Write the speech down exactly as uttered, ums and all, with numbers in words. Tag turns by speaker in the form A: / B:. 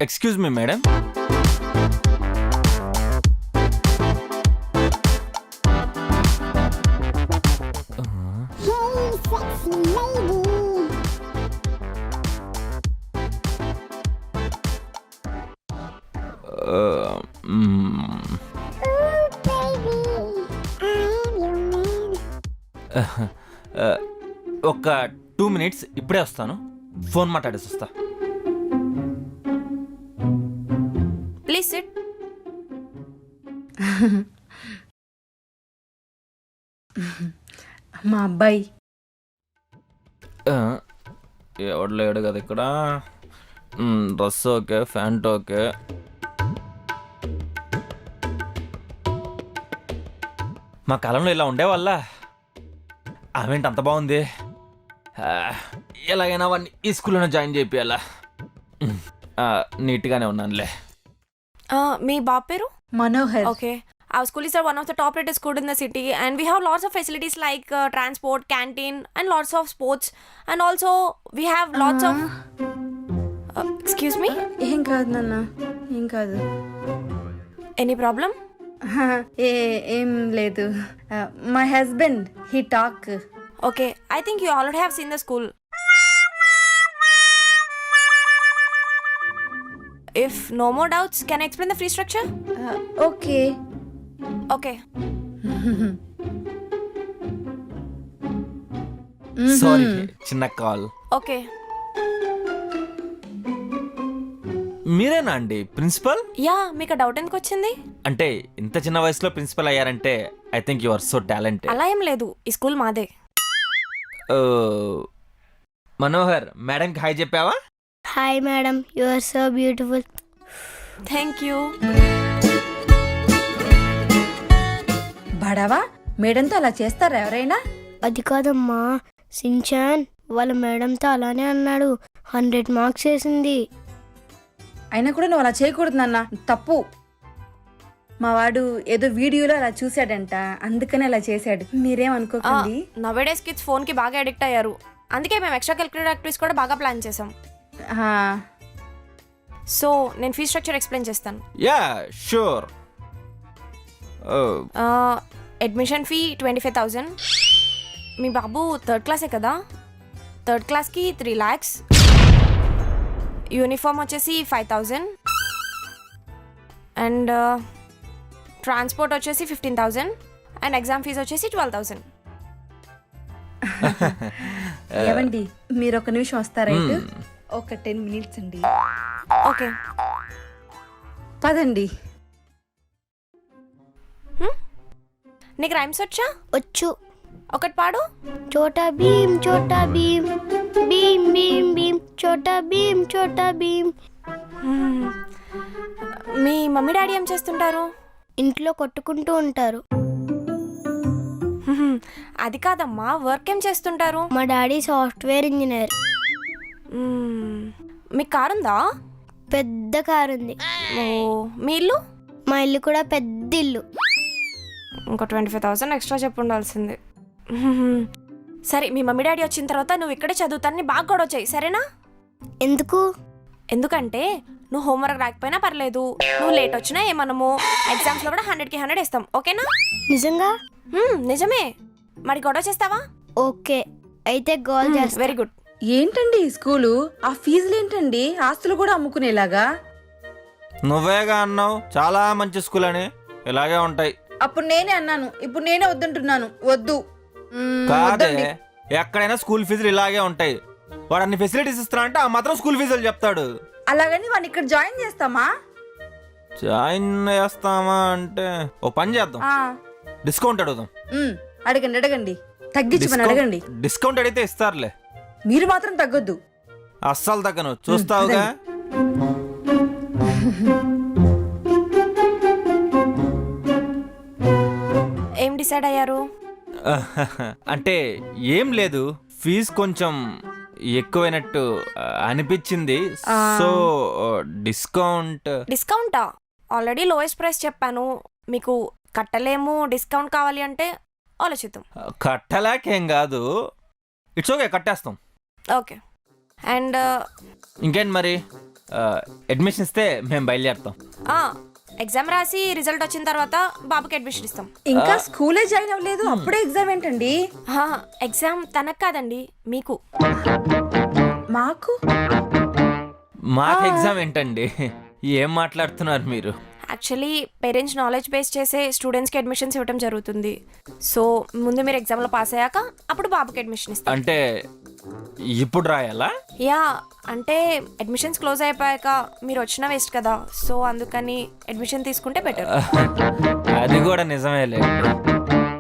A: Excuse me madam. ఒక two minutes ఇప్పుడే వస్తాను. ఫోన్ మాట్లాడేసి వస్తా.
B: Please sit.
C: మా అబ్బాయి
A: ఎవడు లేడు కదా ఇక్కడ. Dress okay, pant okay. మా కాలంలో ఇలా ఉండేవాళ్ళ. ఆమెంటి అంత బాగుంది. ఎలాగైనా వాడిని ఈ స్కూల్లోనే జాయిన్ చేయాలా. నీట్గానే ఉన్నానులే.
B: మీ బాబు పేరు?
C: Manohar.
B: Okay. Our school is one of the top rated school in the city, and we have lots of facilities like uh, transport, canteen, and lots of sports, and also we have lots of. Uh, excuse me?
C: ఏం కాదు నాన్న, ఏం కాదు.
B: Any problem?
C: ఏ ఏం లేదు. My husband he talk.
B: Okay, I think you already have seen the school. If no more doubts, can I explain the fee structure?
C: Okay.
B: Okay.
A: Sorry, చిన్న call.
B: Okay.
A: మీరేనా అండి ప్రిన్సిపల్?
B: యా, మీకు doubt ఎందుకు వచ్చింది?
A: అంటే ఇంత చిన్న వయసులో ప్రిన్సిపల్ అయ్యారంటే I think you are so talented.
B: అలా ఏం లేదు, ఈ స్కూల్ మాదే.
A: మనోహర్, మేడంకి హాయ్ చెప్పావా?
D: Hi madam, you are so beautiful.
B: Thank you.
C: బడవా, మేడంతో అలా చేస్తారా ఎవరైనా?
D: అది కాదమ్మా, సించాన్ వాళ్ళ మేడంతో అలానే అన్నాడు. హండ్రెడ్ మార్క్స్ వేసింది.
C: అయినా కూడా నువ్వు అలా చేయకూడదు నాన్న, తప్పు. మా వాడు ఏదో వీడియోలో అలా చూశాడంట, అందుకని అలా చేశాడు. మీరేమనుకోకండి.
B: నవేడేస్ కిడ్స్ ఫోన్ కి బాగా అడిక్ట్ అయ్యారు. అందుకే మేము ఎక్స్ట్రా కరిక్యులర్ యాక్టివిటీస్ కూడా బాగా ప్లాన్ చేసాం. సో నేను ఫీ స్ట్రక్చర్ ఎక్స్ప్లెయిన్ చేస్తాను.
A: Yeah sure.
B: Admission fee twenty five thousand. మీ బాబు థర్డ్ క్లాసే కదా, థర్డ్ క్లాస్కి త్రీ ల్యాక్స్. యూనిఫామ్ వచ్చేసి ఫైవ్ థౌజండ్. అండ్ ట్రాన్స్పోర్ట్ వచ్చేసి fifteen thousand. And exam fees వచ్చేసి ట్వెల్వ్ థౌజండ్.
C: ఏవండి, మీరు ఒక నిమిషం వస్తారా? ఒక టెన్ మినిట్స్ అండి.
B: ఓకే,
C: పదండి.
B: నీకు రైమ్స్ వచ్చా?
D: వచ్చు.
B: ఒకటి పాడు.
D: చోటా భీమ్ చోటా భీమ్, భీమ్ భీమ్ భీమ్, చోటా భీమ్ చోటా భీమ్.
B: మీ మమ్మీ డాడీ ఏం చేస్తుంటారు?
D: ఇంట్లో కొట్టుకుంటూ ఉంటారు.
B: అది కాదమ్మా, వర్క్ ఏం చేస్తుంటారు?
D: మా డాడీ సాఫ్ట్వేర్ ఇంజనీర్.
B: మీకు కారు ఉందా?
D: పెద్ద కారు ఉంది.
B: ఓ, మీ ఇల్లు?
D: మా ఇల్లు కూడా పెద్ద ఇల్లు.
B: ఇంకో ట్వంటీ ఫైవ్ థౌసండ్ ఎక్స్ట్రా చెప్పు ఉండాల్సింది. సరే, మీ మమ్మీ డాడీ వచ్చిన తర్వాత నువ్వు ఇక్కడే చదువుతానని బాగా గొడవ చేయి, సరేనా?
D: ఎందుకు?
B: ఎందుకంటే నువ్వు హోంవర్క్ రాకపోయినా పర్లేదు, నువ్వు లేట్ వచ్చినా ఏమనము, ఎగ్జామ్స్లో కూడా హండ్రెడ్కి హండ్రెడ్ ఇస్తాం, ఓకేనా?
D: నిజంగా?
B: నిజమే. మరి గొడవ చేస్తావా?
D: ఓకే, అయితే గోల్ చేస్తా.
B: Very good.
C: ఏంటండి ఈ స్కూలు? ఆ ఫీజులు ఏంటండి? ఆస్తులు కూడా అమ్ముకునేలాగా.
A: నువ్వేగా అన్నావు చాలా మంచి స్కూల్ అని. ఇలాగే ఉంటాయి.
C: అప్పుడు నేనే అన్నాను, ఇప్పుడు నేనే వద్దంటున్నాను. వద్దు.
A: కాదే, ఎక్కడైనా స్కూల్ ఫీజులు ఇలాగే ఉంటాయి. వాడు అన్ని ఫెసిలిటీస్ ఇస్తున్నా అంటే ఆ మాత్రం స్కూల్ ఫీజులు చెప్తాడు.
C: అలాగని వాడిని ఇక్కడ జాయిన్ చేస్తామా?
A: జాయిన్ చేస్తామా అంటే ఓ పని చేద్దాం, డిస్కౌంట్ అడుగుదాం.
C: అడగండి అడగండి, తగ్గించమని అడగండి.
A: డిస్కౌంట్ అడిగితే ఇస్తారులే.
C: మీరు మాత్రం తగ్గొద్దు.
A: అస్సలు తగ్గను, చూస్తావుగా.
B: ఏం డిసైడ్ అయ్యారు?
A: అంటే ఏం లేదు, ఫీజు కొంచెం ఎక్కువైనట్టు అనిపించింది. So discount.
B: డిస్కౌంటా? ఆల్రెడీ లోయెస్ట్ ప్రైస్ చెప్పాను మీకు. కట్టలేము, డిస్కౌంట్ కావాలి అంటే ఆలోచిద్దాం.
A: కట్టలేకేం కాదు, ఇట్స్ ఓకే, కట్టేస్తాం.
B: ఓకే. అండ్
A: ఇంకేంటి మరి, అడ్మిషన్ ఇస్తే మేము బయలుదేరుతాం.
B: ఎగ్జామ్ రాసి రిజల్ట్ వచ్చిన తర్వాత బాబుకి అడ్మిషన్ ఇస్తాం.
C: ఇంకా స్కూలే జాయిన్ అవ్వలేదు, అప్పుడే ఎగ్జామ్ ఏంటండి?
B: ఎగ్జామ్ తనకు కాదండి, మీకు.
C: మాకు
A: మాకు ఎగ్జామ్ ఏంటండి? ఏం మాట్లాడుతున్నారు మీరు?
B: యాక్చువల్లీ పేరెంట్స్ నాలెడ్జ్ బేస్ చేసే స్టూడెంట్స్కి అడ్మిషన్స్ ఇవ్వడం జరుగుతుంది. సో ముందు మీరు ఎగ్జామ్లో పాస్ అయ్యాక అప్పుడు బాబుకి అడ్మిషన్ ఇస్తాం.
A: అంటే ఇప్పుడు రాయాలా?
B: యా, అంటే అడ్మిషన్స్ క్లోజ్ అయిపోయాక మీరు వచ్చినా వేస్ట్ కదా, సో అందుకని అడ్మిషన్ తీసుకుంటే బెటర్.
A: అది కూడా నిజమేలే.